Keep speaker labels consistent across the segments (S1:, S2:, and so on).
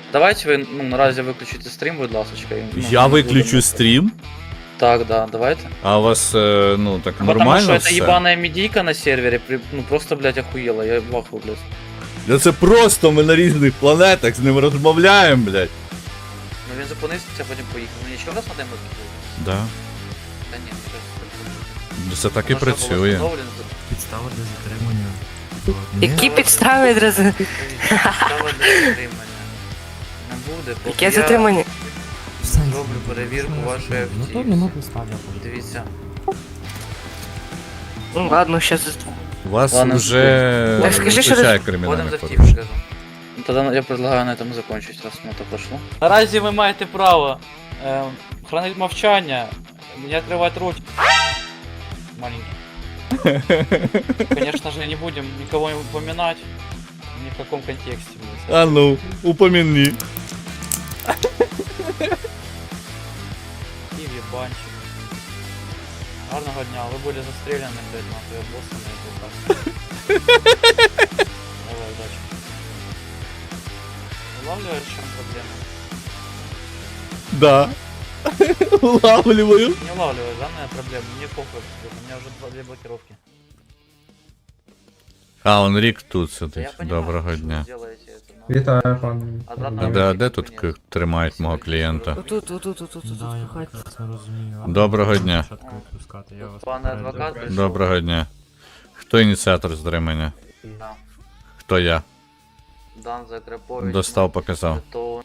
S1: Давайте ви, ну, наразі виключите стрім, будь ласочка. і, ну,
S2: Я
S1: не
S2: виключу
S1: будемо.
S2: стрім,
S1: Так, да, давайте.
S2: а у вас, ну, так
S1: Потому
S2: нормально
S1: что это
S2: все?
S1: ебаная медийка на сервере, ну просто, блядь, охуела, я в ахуе, блядь.
S2: Да це просто ми на різних планетах з ним розмовляємо, блядь.
S1: Ну він зупинився, потім поїхав. Ну нічого раз на демо було?
S2: Да.
S1: Та ні, щось.
S2: Це так і працює.
S3: Підстава для затримання.
S4: Які підстави одразу?
S1: Підстава для затримання. Не буде, поки
S4: Яке затримання?
S1: роблю перевірку вашої
S3: Ну то
S1: автівки.
S3: нема підстав.
S1: Дивіться.
S4: Ну ладно, щас.
S2: У вас
S1: Ладно,
S2: вже
S4: Так скажи, що
S2: вистачає
S4: ти-
S1: Ходимо
S2: кримінальних
S1: за втік,
S2: порушень.
S1: скажу. Тогда я предлагаю на этом закончить, раз мы так пошло. Наразі ви маєте право хранити мовчання, не відкривати рот. Маленький. Конечно же, не будем никого упоминать, ни в каком контексте.
S2: А ну, упомяни.
S1: И ебанчик. Гарного дня, вы были застреляны, блядь, нахуй, боссами и Давай, удачи. Улавливаешь, в чем проблема?
S2: Да. Улавливаю.
S1: Не улавливаешь, да, моя проблема? Мне похуй, у меня уже две блокировки.
S2: А, он Рік тут
S1: Да я
S2: сидить.
S1: понимаю,
S2: Доброго
S1: что вы
S2: дня.
S1: делаете это, но-
S5: Вітаю, пан.
S1: Обратно
S2: А
S1: обратно
S2: де тут
S1: нет.
S2: тримають мого клієнта?
S4: Тут.
S3: Да, я прекрасно розумію.
S2: Доброго дня.
S3: Спочатку відпускати, я вас
S1: Пане
S3: попереджу.
S1: адвокат, прийшов.
S2: Доброго дня. Хто ініціатор затримання?
S1: Да.
S2: Хто я?
S1: Дан Закрепович.
S2: Достав, показав.
S1: То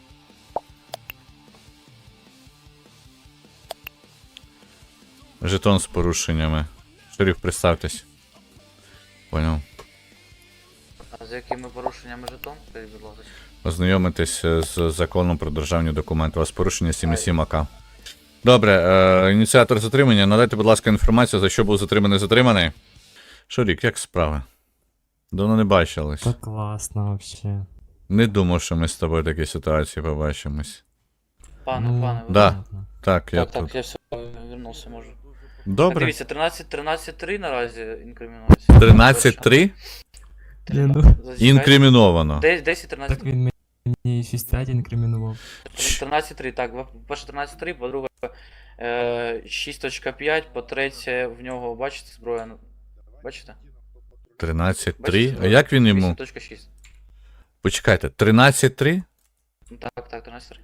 S2: Жетон з порушеннями. Шериф, представтесь. Поняв.
S1: а з якими порушеннями жетон? Скажіть, будь ласка.
S2: Ознайомитись з законом про державні документи. У вас порушення 7,7 АК. Добре, ініціатор затримання. Надайте, будь ласка, інформацію, за що був затриманий. Шурік, як справи? Давно не бачились.
S3: Та класно вообще.
S2: Не думав, що ми з тобою в такій ситуації побачимось.
S1: Пане,
S3: Ну,
S1: пане, ви...
S2: Да.
S3: понятно.
S2: Так, я
S1: Так,
S2: тут.
S1: я все, вернувся, можу. Так,
S2: Добре.
S1: дивіться, 13-3 наразі інкримінується.
S2: 13-3
S3: Ні, ну.
S1: Зачекайте.
S2: інкриміновано.
S1: 10-13.
S3: Так він мені 6-5 інкримінував.
S1: 13-3, так, по-перше 13-3, по-друге 6.5, по-третє, в нього, бачите, зброя, бачите?
S2: 13-3? А як він йому?
S1: 8.6.
S2: Почекайте, 13-3?
S1: Так, 13-3.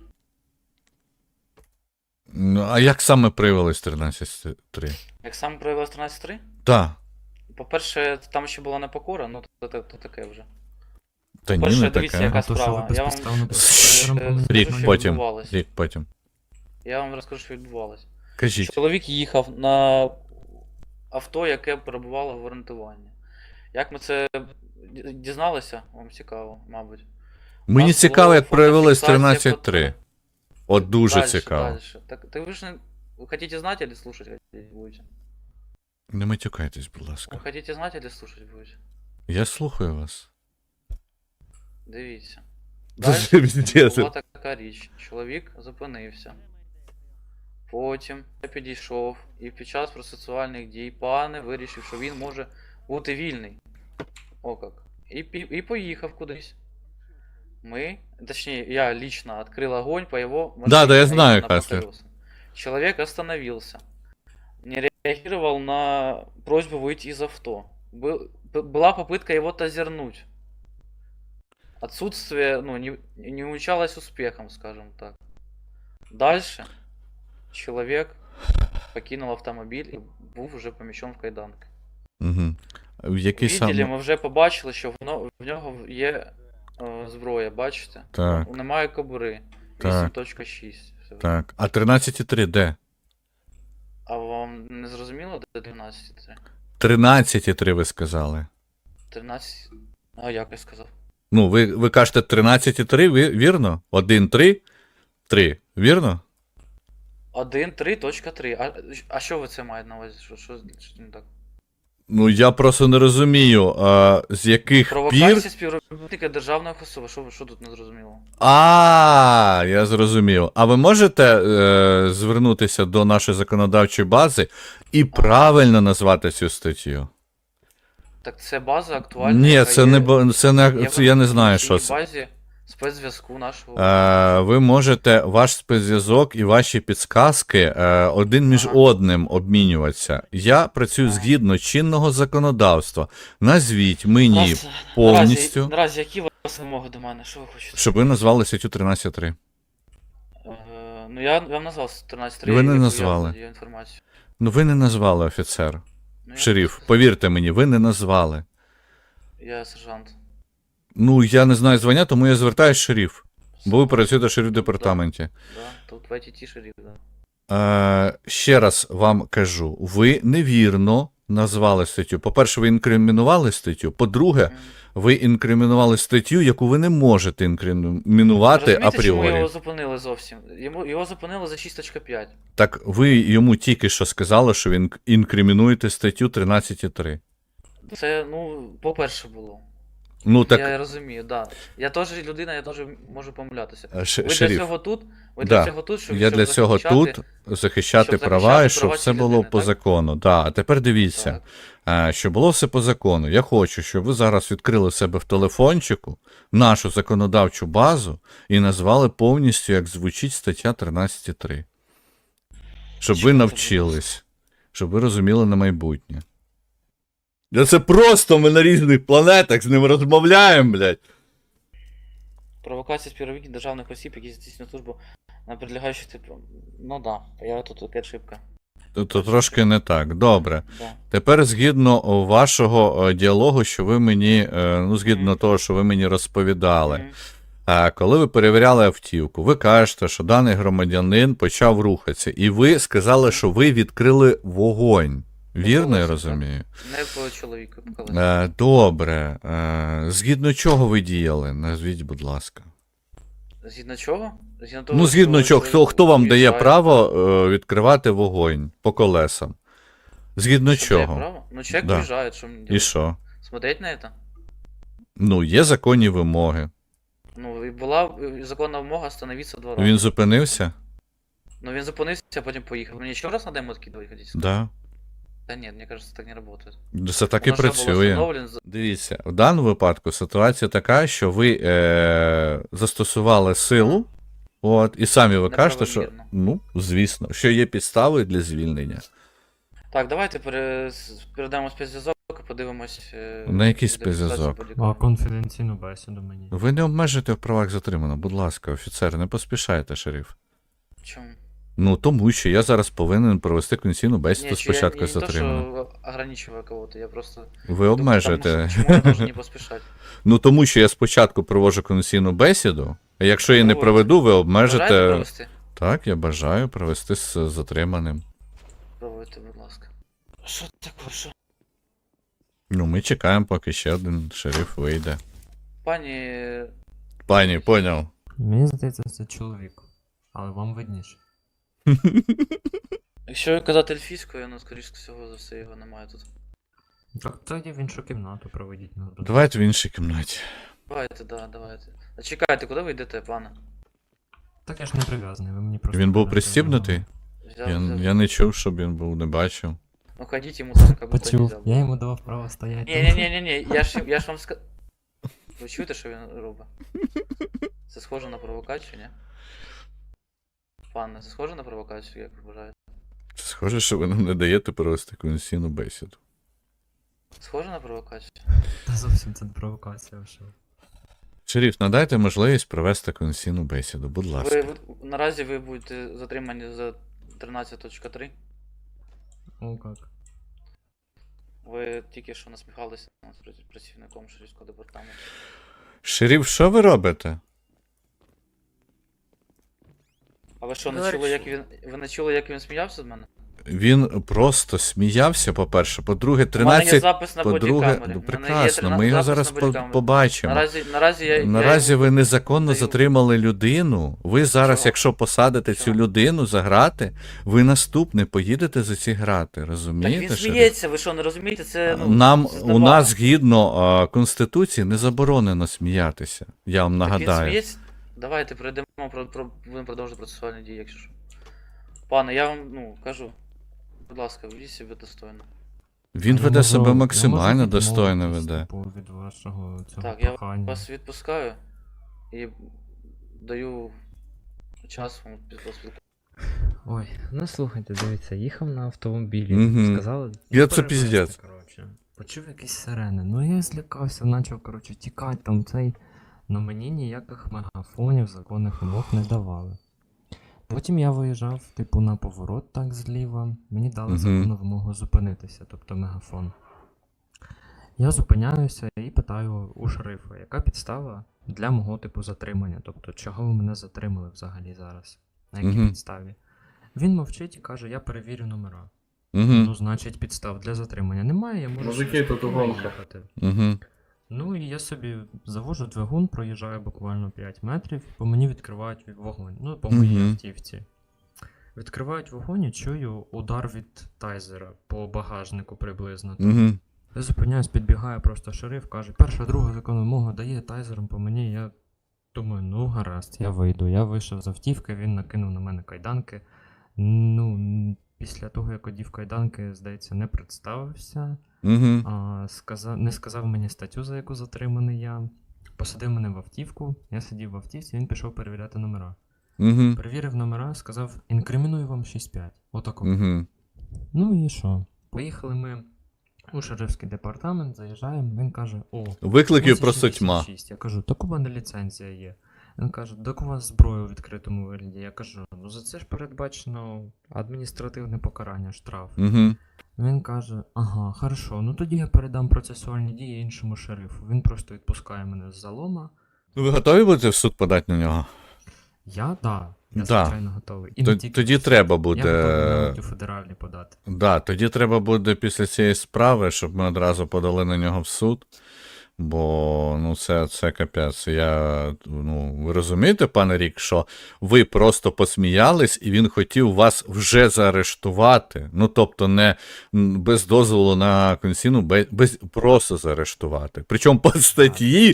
S2: Ну, а як саме проявилось 13-3?
S1: Як саме проявилось 13-3?
S2: Так.
S1: По-перше, там ще була непокора, ну то таке вже.
S2: Та ні,
S1: Перше,
S2: не
S1: дивіться,
S2: таке.
S1: яка
S3: А то, що
S1: справа.
S3: ви
S1: Я вам
S3: безпідставно
S2: Шшш.
S3: паспортером
S2: Рік
S1: що
S2: потім.
S1: відбувалось.
S2: Рік потім.
S1: Я вам розкажу, що відбувалось.
S2: Кажіть.
S1: Чоловік їхав на авто, яке перебувало в орієнтуванні. Як ми це дізналися, вам цікаво, мабуть.
S2: Мені
S1: нас
S2: цікаво,
S1: було
S2: як проявилось
S1: фотофіксація
S2: 13-3. От дуже
S1: Дальше,
S2: цікаво.
S1: дальше. Так вы же вы хотите знать или слушать будете?
S2: Не матюкайтесь, будь
S1: Вы
S2: ласка.
S1: хотите знать или слушать будете?
S2: Я слухаю вас.
S1: Дивіться.
S2: Дуже
S1: Дальше
S2: пиздец.
S1: була така річ. Чоловік зупинився. Потім я підійшов і під час процесуальних дій пане вирішив, що він може бути вільний. О как. І поїхав кудись. Мы, точнее, я лично открыл огонь по его машине.
S2: Да, я
S1: а
S2: знаю,
S1: именно по
S2: Кастер.
S1: колесам. Человек остановился. Не реагировал на просьбу выйти из авто. Была попытка его тазернуть. Отсутствие, ну, не увенчалось успехом, скажем так. Дальше человек покинул автомобиль и був уже помещен в кайданки.
S2: Угу. В який
S1: Видели,
S2: саме?
S1: ми вже побачили, що в нього є зброя, бачите?
S2: Так,
S1: Немає кобури.
S2: Так.
S1: 8.6. Все.
S2: так. А 13-3 де?
S1: А вам не зрозуміло, де 12.3?
S2: 13-3 ви сказали.
S1: 13. А як я сказав?
S2: Ну, ви кажете 13-3, вірно? 1-3, 3, вірно?
S1: 1.3.3. А що ви це маєте на увазі? Що не так?
S2: Ну, я просто не розумію, з яких пір...
S1: Провокація співробітника державної особи. Що тут не зрозуміло?
S2: Я зрозумів. А ви можете звернутися до нашої законодавчої бази і правильно назвати цю статтю?
S1: Так це база актуальна.
S2: Ні,
S1: яка
S2: це
S1: є-
S2: не, це не,
S1: є
S2: це я не знаю,
S1: в
S2: що
S1: інформаційній
S2: це.
S1: базі з спецзв'язку нашого.
S2: Ви можете ваш спецзв'язок і ваші підсказки один між
S1: Ага.
S2: одним обмінюватися. Я працюю
S1: Ага.
S2: згідно чинного законодавства. Назвіть мені
S1: Наразі-
S2: повністю,
S1: Наразі які у вас вимоги до мене? Що ви хочете?
S2: щоб ви назвали статтю 13.3.
S1: Ну я вам назвав 13.3.
S2: Ви не
S1: яку
S2: назвали.
S1: Я володію інформацією.
S2: Ну ви не назвали офіцер.
S1: Ну,
S2: Шериф, повірте мені, ви не назвали.
S1: Я сержант.
S2: Ну, я не знаю звання, тому я звертаюсь шериф. Бо ви працюєте в шериф департаменті.
S1: Да, тут в ITT шериф, да.
S2: Ще раз вам кажу, ви невірно назвали статтю. По-перше, ви інкримінували статтю. По-друге,
S1: Мгм.
S2: ви інкримінували статтю, яку ви не можете інкримінувати
S1: Розумієте, чому
S2: апріорі.
S1: його зупинили зовсім? Його зупинили за 6.5.
S2: Так ви йому тільки що сказали, що ви інкримінуєте статтю 13.3.
S1: Це, ну, по-перше було.
S2: Ну так,
S1: Я розумію, да. Я теж людина, я теж можу помилятися. Ви
S2: шериф,
S1: для цього тут? Ви
S2: Да.
S1: для цього тут, щоб
S2: я
S1: щоб
S2: для цього
S1: захищати-
S2: тут захищати
S1: щоб
S2: права
S1: захищати
S2: і щоб
S1: права
S2: все
S1: цієї
S2: було
S1: людини,
S2: по
S1: так?
S2: закону. Да. А тепер дивіться.
S1: Так.
S2: Щоб було все по закону, я хочу, щоб ви зараз відкрили в себе в телефончику нашу законодавчу базу і назвали повністю, як звучить стаття 13.3. Щоб ви
S1: Чому це
S2: навчились, щоб ви розуміли на майбутнє. Це просто ми на різних планетах з ним розмовляємо, блядь.
S1: Провокація співробітників державних осіб, які здійснюють службу на прилягаючих типу. Ну да, я тут така ошибка.
S2: То трошки не так. Добре.
S1: Да.
S2: Тепер згідно вашого діалогу, що ви мені, ну, згідно
S1: Мгм.
S2: того, що ви мені розповідали.
S1: Мгм.
S2: Коли ви перевіряли автівку, ви кажете, що даний громадянин почав рухатися, і ви сказали, що ви відкрили вогонь. Вірно, я
S1: колесо,
S2: розумію?
S1: Не по чоловіку, по колесі.
S2: Добре. Згідно чого ви діяли? Назвіть, будь ласка.
S1: Згідно чого? Згідно того,
S2: Ну, згідно
S1: що
S2: чого, хто вам дає
S1: виїжджає-
S2: право відкривати вогонь по колесам? Згідно
S1: Що дає
S2: чого?
S1: право? Ну, человек
S2: Да.
S1: уезжает, что мне
S2: І
S1: делать?
S2: що?
S1: Смотреть на это?
S2: Ну, є законні вимоги.
S1: Ну, і була законна вимога остановитися 2 рази.
S2: Він зупинився?
S1: Ну, він зупинився, а потім поїхав. Мені ще раз надо йому откидывать, хотите сказать?
S2: Да.
S1: Да нет, мне кажется, так не работает.
S2: Це так і
S1: Воно що було
S2: працює.
S1: встановлено за-
S2: Дивіться, в даному випадку ситуація така, що ви застосували силу, от, і самі ви кажете, що,
S1: Неправомірно.
S2: ну, звісно, що є підстави для звільнення.
S1: Так, давайте передамо спецзв'язок і подивимось.
S2: На який
S1: де
S2: спецзв'язок?
S1: ситуація по лікарні.
S3: Конфіденційну бесіду мені.
S2: Ви не обмежуєте в правах затриманого, будь ласка, офіцер, не поспішайте, шериф.
S1: Чому?
S2: Ну, тому що я зараз повинен провести конституційну бесіду
S1: Ні,
S2: спочатку
S1: я не то,
S2: затриманого.
S1: що ограничиваю кого-то, я просто...
S2: Ви
S1: думаю,
S2: обмежуєте.
S1: тому що- Чому я должен не поспішати?
S2: Ну, тому що я спочатку проводжу конституційну бесіду, а якщо я не
S1: Проводьте.
S2: проведу, ви
S1: Бажаєте
S2: обмежите.
S1: провести?
S2: Так, я бажаю провести з затриманим.
S1: Проводьте, будь ласка. Що таке, що?
S2: Ну, ми чекаємо, поки ще один шериф вийде.
S1: Пані...
S2: Пані, поняв.
S3: Мені здається, це чоловік. Але вам видніше.
S1: Якщо казати ельфійською, ну, скоріш всього за все, його немає тут.
S3: Так, тоді в іншу кімнату проведіть нас.
S2: Давайте в іншій кімнаті.
S1: Давайте, да, давайте. А чекайте, куди ви йдете, пане?
S3: Так я ж не прив'язаний, ви мені просто.
S2: Він був
S3: кажете,
S2: пристібнутий?
S1: Взяв.
S2: Я не чув, щоб він був, не бачив.
S1: Ну ходіть йому так, как будто
S3: Почув,
S1: нельзя.
S3: я йому давав право стояти.
S1: Ні-ні-ні, я ж вам сказав. Ви чуєте, що він робить? Це схоже на провокацію, ні? Пане, це схоже на провокацію, як ви вважаєте?
S2: Схоже, що ви нам не даєте провести конституційну бесіду.
S1: Схоже на провокацію?
S3: Та зовсім це не провокація вже.
S2: Шериф, надайте можливість провести конституційну бесіду, будь ласка.
S1: Наразі ви будете затримані за 13.3.
S3: О, як.
S1: Ви тільки що насміхалися над працівником Шерифського департаменту.
S2: Шериф, що ви робите?
S1: А ви що, не
S4: Говорить,
S1: чули, як
S4: що-
S1: він. Ви не чули, як він сміявся з мене?
S2: Він просто сміявся, по-перше. По-друге,
S1: У мене є
S2: 13.
S1: запис на
S2: По-друге,
S1: бодікамері.
S2: ну
S1: У мене є
S2: прекрасно, ми його
S1: запис
S2: зараз
S1: на бодікамері.
S2: побачимо.
S1: Наразі
S2: Наразі ви незаконно
S1: даю.
S2: затримали людину. Ви зараз,
S1: Чого?
S2: якщо посадите цю
S1: Чого?
S2: людину за грати, ви наступне поїдете за ці грати.
S1: Так
S2: Розумієте?
S1: він
S2: Шериф?
S1: сміється, ви що, не розумієте? Це, ну,
S2: Нам
S1: це
S2: у
S1: забавно.
S2: нас згідно Конституції не заборонено сміятися. Я вам
S1: Так він
S2: нагадаю.
S1: сміється. Давайте перейдемо, будемо продовжувати процесуальні дії, якщо що. Пане, я вам, ну, кажу. Будь ласка, ведіть себе достойно.
S2: Він
S3: Я
S2: веде
S3: можу-
S2: себе
S3: я
S2: максимально
S3: можу
S2: достойно
S3: відмовитись,
S2: веде.
S3: типу, від вашого цього
S1: Так, я
S3: прохання.
S1: вас відпускаю. і даю час вам поспілкуватися.
S5: Ой, ну слухайте, дивіться, їхав на автомобілі,
S2: Мгм.
S5: сказали.
S2: Я
S5: «Ну,
S2: це
S5: перевезти»,
S2: піздець.
S5: коротше. Почув якісь сирени. Ну я злякався, почав, коротше, тікати там цей. Но мені ніяких мегафонів, законних вимог не давали. Потім я виїжджав, типу, на поворот так зліва. Мені дали
S2: Мгм.
S5: законну вимогу зупинитися, тобто мегафон. Я зупиняюся і питаю у шерифа, яка підстава для мого типу затримання? Тобто, чого ви мене затримали взагалі зараз? На якій
S2: Мгм.
S5: підставі? Він мовчить і каже, я перевірю номера.
S2: Угу.
S5: Ну, значить, підстав для затримання немає, я можу
S6: Мужики,
S5: собі
S6: тут
S5: спокійно
S6: угонка.
S5: їхати.
S2: Угу.
S5: Ну і я собі завожу двигун, проїжджаю буквально 5 метрів, по мені відкривають вогонь. Ну, по моїй
S2: Мгм.
S5: автівці. Відкривають вогонь і чую удар від тайзера по багажнику приблизно.
S2: Угу.
S5: Я зупиняюсь, підбігає просто шериф, каже, перша, друга законна вимога дає тайзером по мені. Я думаю, ну гаразд, я вийду. Я вийшов з автівки, він накинув на мене кайданки. Ну, після того, як одів кайданки, здається, не представився.
S2: Угу.
S5: Не сказав мені статтю, за яку затриманий я. Посадив мене в автівку, я сидів в автівці, він пішов перевіряти номера.
S2: Угу.
S5: Перевірив номера, сказав, інкриміную вам 6-5. Отако.
S2: Угу.
S5: Ну і що? Поїхали ми у шерифський департамент, заїжджаємо, він каже, о,
S2: Викликів просто тьма.
S5: 86. Я кажу, так у мене ліцензія є. Він каже, так у вас зброя у відкритому вигляді. Я кажу, ну за це ж передбачено адміністративне покарання, штраф.
S2: Угу.
S5: Він каже, ага, хорошо, ну тоді я передам процесуальні дії іншому шерифу. Він просто відпускає мене з залома.
S2: Ну, ви готові будете в суд подати на нього?
S5: Я, да, я
S2: Да.
S5: звичайно готовий. І не тільки
S2: Тоді
S5: в суд.
S2: треба
S5: Я готовий
S2: буде.
S5: навіть у федеральний подати.
S2: Да, тоді треба буде після цієї справи, щоб ми одразу подали на нього в суд. Бо ну це капець. Ви розумієте, пане Рік, що ви просто посміялись, і він хотів вас вже заарештувати. Ну, тобто, не без дозволу на конституційну, просто заарештувати. Причому по статті,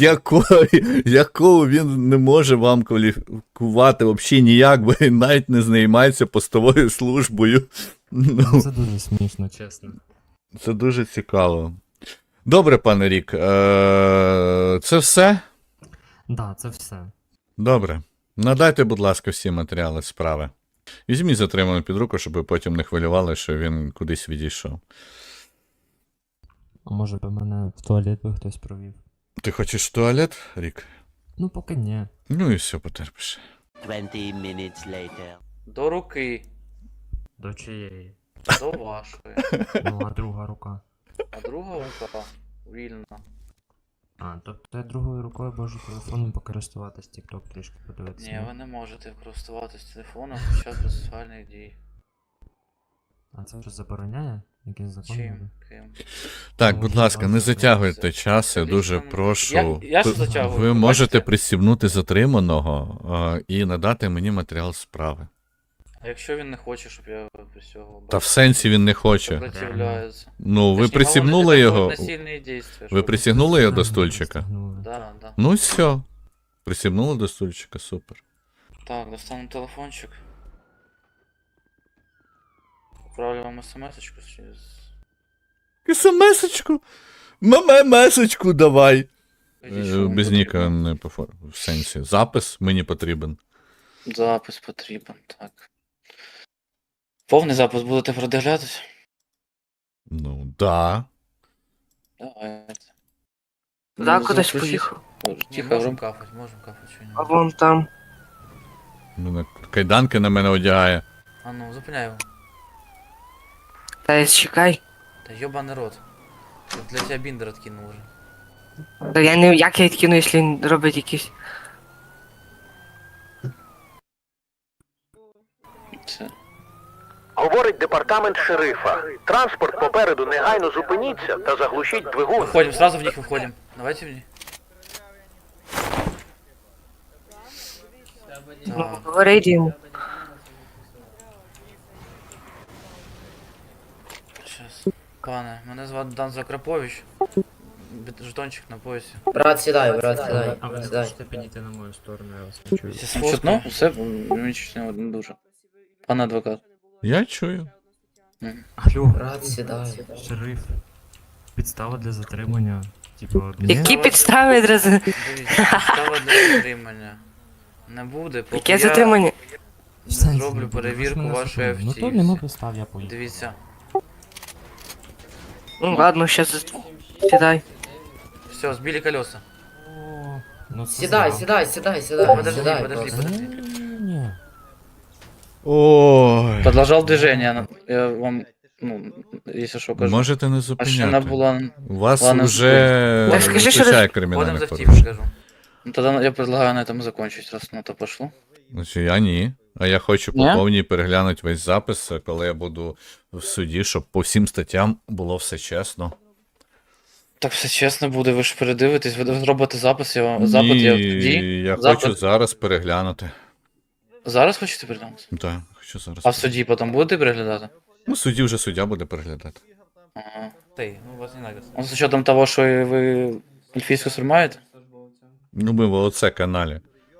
S2: якою він не може вам кваліфікувати взагалі ніяк, бо він навіть не займається постовою службою. Ну,
S5: Це дуже смішно, чесно.
S2: це дуже цікаво. Добре, пане Рік, це все?
S5: Да, це все.
S2: Добре. Надайте, будь ласка, всі матеріали справи. Візьміть затриманого під руку, щоб ви потім не хвилювали, що він кудись відійшов.
S5: А може би мене в туалет би хтось провів?
S2: Ти хочеш в туалет, Рік?
S5: Ну, поки ні.
S2: Ну і все, потерпиш.
S7: 20 minutes later.
S1: До руки,
S5: До чиєї?
S1: до вашої.
S5: Ну, а друга рука.
S1: А друга рука вільна.
S5: А, тобто я другою рукою можу телефоном покористуватись, TikTok трішки подивитися.
S1: Ні,
S5: ну?
S1: ви не можете користуватись телефоном під час процесуальних дій.
S5: А це вже забороняє? Якийсь закон?
S1: Чим?
S5: буде?
S1: Ким?
S2: Так,
S5: Ну,
S2: будь ласка, не
S5: це
S2: затягуйте час, я
S1: Лічно,
S2: дуже прошу.
S1: я ж затягую,
S2: Ви
S1: ви
S2: можете
S1: бачите?
S2: пристібнути затриманого і надати мені матеріал справи.
S1: А якщо він не хоче, щоб я присягував?
S2: Та в сенсі він не хоче.
S1: Сопротивляється.
S2: Ну, ви
S1: Точніше,
S2: присягнули
S1: говорить,
S2: його.
S1: це насильні дії,
S2: Ви присягнули його до
S5: Правильно,
S2: стульчика?
S5: пристегнули.
S1: Да, да.
S2: Ну і все. Присягнули до стульчика, супер.
S1: Так, достану телефончик. Отправлю вам смс-очку через...
S2: СМС-очку? ММС-очку давай.
S1: Скажіть, що вам
S2: Без
S1: потрібно.
S2: ніка не по в сенсі. Запис мені потрібен.
S1: Запис потрібен, так. Повний запис будете продивлятись?
S2: Ну, да.
S1: Давайте.
S4: Да,
S1: Ну,
S4: кудись
S1: заключіть.
S4: поїхав.
S1: Тихо,
S5: можемо
S1: кафать, можемо кафать чи ні?
S4: А вон там.
S2: Мене кайданки на мене одягає.
S1: А ну, зупиняй його.
S4: Та чекай.
S1: Та йобаний рот. Я для тебе біндер откинув уже.
S4: Та я не як я відкину, якщо він робить якісь.
S1: Це.
S8: Говорить департамент шерифа. Транспорт попереду негайно зупиніться та заглушіть двигун.
S1: Выходим, сразу в них выходим. Давайте в них.
S4: Ну,
S1: Так,
S4: говорить йому.
S1: щас. Пане, мене звати Дан Закрапович. Жетончик на поясі.
S9: Брат, сідай, брат, сідай.
S5: А ви не
S9: Сідай.
S5: хочете підійти на мою сторону, я вас не чую.
S1: Все чутно? Все, мені чутно не дуже. Пане адвокат.
S2: Я чую.
S5: Алло,
S9: Брат, сідай.
S5: шериф. Підстава для затримання. Типу,
S4: Які підстави одразу?
S1: Дивіться, підстава для затримання. Не буде, поки
S4: Яке
S1: я
S4: затримання?
S5: в сенсі
S1: зроблю
S5: не буде, ви ж
S1: перевірку
S5: мене
S1: вашої
S5: затримали. Ну то нема
S1: автівці.
S5: підстав, я поїду.
S1: Дивіться.
S4: Ну ладно, щас сідай.
S1: Все, збили колеса.
S5: О, ну це
S6: Сідай,
S5: зря.
S6: сідай, сідай, сідай.
S1: Подожди,
S6: сідай
S1: подожди,
S6: просто.
S1: подожди.
S5: Ні.
S2: Ой.
S1: Продолжал движение. Я вам, ну, если что, кажу.
S2: Можете не
S1: Машина
S2: зупиняти.
S1: була...
S2: У вас
S1: Ладно,
S2: вже
S4: Так скажи, що
S2: вистачає
S1: Входим
S2: кримінальних
S1: за втip,
S2: порушень.
S1: скажу. Ну тогда я предлагаю на этом закончить, раз на то пошло.
S2: Значить, я ні. А я хочу по
S1: Ні?
S2: повній переглянути весь запис, коли я буду в суді, щоб по всім статтям було все чесно.
S1: Так все чесно буде, ви ж передивитесь, ви зробите запис, запит я в
S2: Ні,
S1: тоді.
S2: я
S1: Запит.
S2: хочу зараз переглянути.
S1: Зараз хочете переглянути?
S2: Так, хочу зараз.
S1: А в суді потім будете переглядати?
S2: Ну, в суді вже суддя буде переглядати.
S1: Ага. Ну, вас не нравится. Ну, з учетом того, що ви ельфійську стрімаєте?
S2: Ну, ми в ООЦ каналі.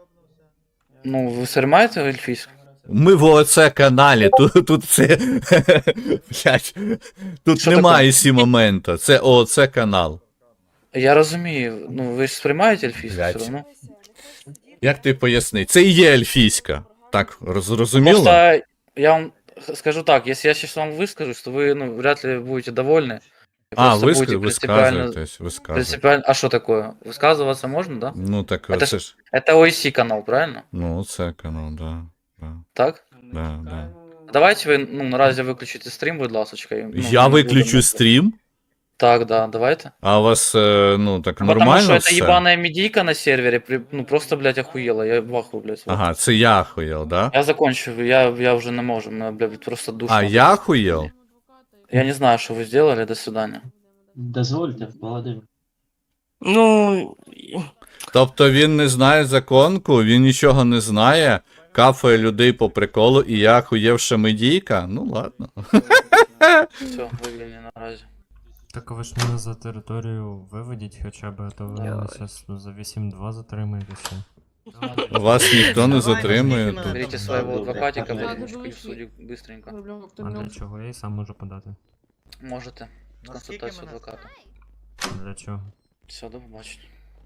S1: Ну, ви стрімаєте ельфійську?
S2: Ми в ООЦ каналі, тут це. Блять. Тут
S1: Що
S2: немає
S1: таке?
S2: сі моменту. Це ООЦ канал.
S1: Я розумію, ну ви ж сприймаєте ельфійську
S2: Блядь.
S1: все одно?
S2: Як ти поясни? Це і є ельфійська. Так, зрозуміло?
S1: Просто я вам скажу так, если я сейчас вам выскажусь, то вы, ну, вряд ли будете довольны. И
S2: А,
S1: просто будете
S2: висказуєтесь.
S1: принципиально... А что такое? Высказываться можно, да?
S2: Ну так
S1: Это
S2: це ж.
S1: Это OIC канал, правильно?
S2: Ну, це канал, да.
S1: Так?
S2: Да.
S1: Давайте ви, ну, наразі виключите стрім, будь ласочка. і, ну,
S2: Я
S1: не
S2: виключу
S1: будемо-
S2: стрім,
S1: Так, да, давайте.
S2: а у вас, ну, так
S1: Потому
S2: нормально
S1: что это
S2: все?
S1: ебаная медийка на сервере, ну, просто, блядь, охуела. Я в ахуе, блядь.
S2: Ага, це я охуєл, да?
S1: Я закончу, я уже не можу, мене, блядь, просто душно.
S2: А я охуєл?
S1: Я не знаю, что вы сделали, до свидания.
S6: Дозвольте, Володимир.
S4: Ну,
S2: Тобто він не знає законку, він нічого не знає, кафає людей по приколу, і я охуєвша медійка? Ну ладно.
S1: Все, вивільні наразі.
S5: Так ви ж мене за територію виведіть хоча б, а то ви мене зараз за 8-2 затримаєте ще.
S2: Вас ніхто не затримує тут.
S1: Берите своего адвокатика,
S6: Ладно,
S1: потому что в суде быстренько.
S5: А для чого? Я і сам можу подати.
S1: Можете. Консультацию адвоката.
S5: Для чого?
S1: Все, до побачення.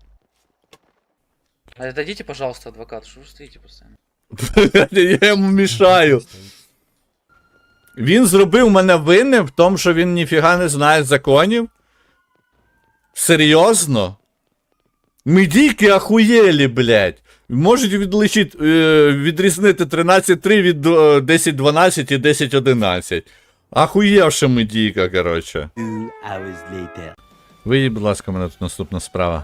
S1: А дадите, пожалуйста, адвокату, что вы стоите постоянно?
S2: Я йому мішаю. Він зробив мене винним в тому, що він ніфіга не знає законів? Серйозно? Медійки ахуєлі, блядь. Можуть відрізнити 13.3 від 10.12 і 10.11. Ахуєвша медійка, коротше.
S7: 2 hours later.
S2: Виїдь, будь ласка, мене тут наступна справа.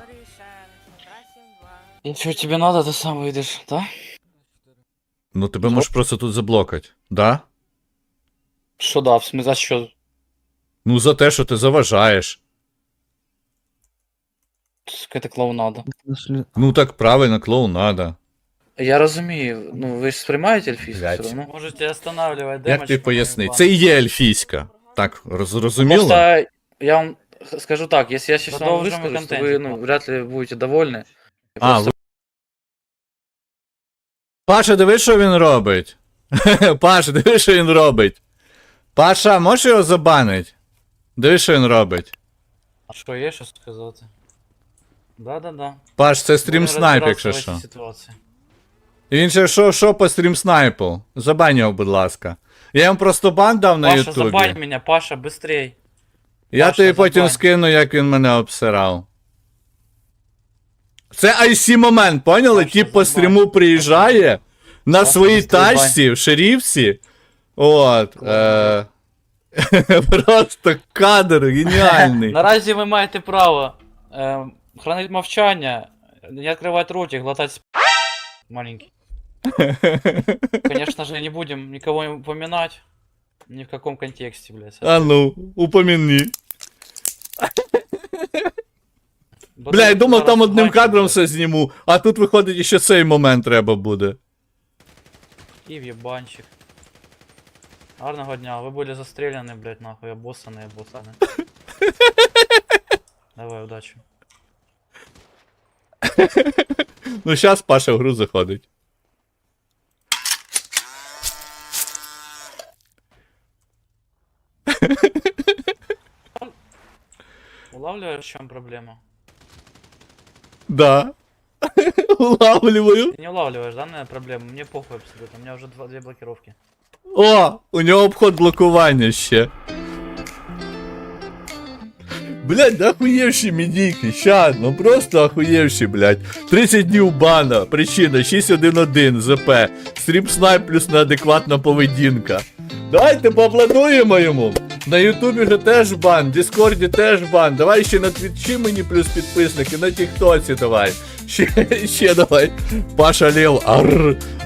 S1: Если тебе надо, ты сам выйдешь, да?
S2: Ну тебе можеш просто тут заблокать, да?
S1: Что да, в смысле, за что?
S2: Ну за те, що ти заважаєш.
S1: Какая-то клоунада.
S2: Ну так правильно, клоунада.
S1: Я розумію, ну ви ж сприймаєте ельфійську
S2: Блядь.
S1: все одно? Можете останавливать
S2: Як ти поясни? Це і є ельфійська. Так, зрозуміло?
S1: Просто я вам скажу так, если я сейчас вам
S6: Продовжимо
S1: выскажусь, то
S6: контент.
S1: вы, ну, вряд ли будете довольны. И
S2: А,
S1: просто-
S2: Паша, диви, що він робить. Паша, диви, що він робить. Паша, можеш його забанить? Диви, що він робить.
S1: А що є що сказати? Да.
S2: Паш, це стрім снайп, якщо що.
S1: Ситуації.
S2: І він ще що по стрім снайпу? Забань його, будь ласка. Я йому просто бан дав на
S1: Паша, забань
S2: ютубі.
S1: мене, Паша, быстрей.
S2: Я
S1: Паша,
S2: тобі потім
S1: забань.
S2: скину, як він мене обсирав. Це IC момент, поняли?
S1: Паша,
S2: Тіп по
S1: забань.
S2: стріму приїжджає на
S1: Паша,
S2: своїй
S1: быстрей, бань.
S2: тачці в шерифці. От. Просто кадр геніальний.
S1: Наразі ви маєте право хранити мовчання, не відкривати рот і глотати маленький. Конечно же, не будем никого упоминать. Ни в каком контексте, блядь.
S2: А ну, упомяни. Бля, я думав, там одним кадром все зніму, а тут виходить, ще цей момент треба буде.
S1: І в'єбанчик. Гарного дня, ви були застріляні, блядь, нахуй, обоссані. Давай, удачі.
S2: Ну, щас Паша в гру заходить.
S1: Улавливаешь, в чем проблема?
S2: Да. Улавливаю.
S1: Ты не улавливаешь, да, наверное, проблему? Мне похуй абсолютно, у меня уже две блокировки.
S2: О, у нього обход блокування ще. Блять, да охуєвші медійки, ща, ну просто охуєвші, блять. 30 днів бана, причина 611 ЗП, стрім снайп плюс неадекватна поведінка. Давайте поаплодуємо йому. На Ютубі же теж бан, в Діскорді теж бан. Давай ще на Твічі мені плюс підписники, на Тіктоці давай. Ще давай. Паша Лев, арр.